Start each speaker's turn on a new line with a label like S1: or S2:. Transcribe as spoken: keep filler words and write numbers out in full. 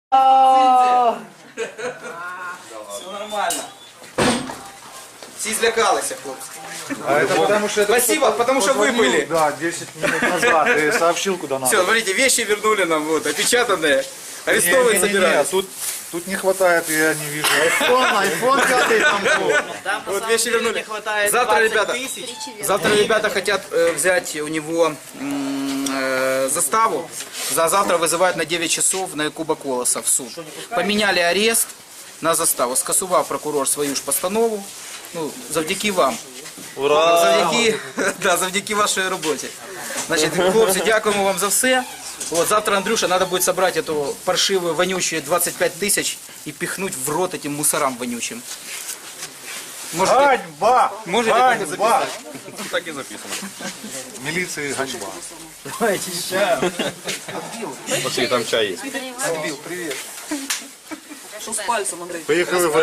S1: Все нормально. Всі злякалися, хлопці.
S2: А это потому что... это
S1: Спасибо,
S2: кто-то
S1: потому что вы
S2: позвонил,
S1: были.
S2: Да, десять минут назад и сообщил, куда надо.
S1: Все, смотрите, вещи вернули нам, вот, опечатанные. Арестовывать
S2: Не-не-не,
S1: собираются.
S2: Тут, тут не хватает, я не вижу.
S3: Айфон, айфон пятый там был.
S4: Там на
S1: Вот
S4: самом
S1: вещи
S4: деле
S1: вернули.
S4: не хватает
S1: Завтра,
S4: двадцать
S1: ребята,
S4: тысяч.
S1: завтра ребята хотят э, взять у него м, э, заставу. За завтра вызывают на девять часов на Куба Колоса в суд. Поменяли арест на заставу. Скасував прокурор свою ж постанову. Ну, завдяки вам. Ура! Завдяки, да, завдяки вашій роботі. Значить, хлопці, дякуємо вам за все. Вот, завтра, Андрюша, надо будет собрать эту паршивую, вонючую двадцать пять тысяч и пихнуть в рот этим мусорам вонючим. Можете,
S2: Ганьба!
S1: можете так и
S2: Ганьба!
S1: записать.
S5: Так і записано.
S2: Милиции ганьба.
S5: Оці там чай є.
S3: Отбил, привет.
S4: Что с пальцем, Андрей?
S2: Поехали в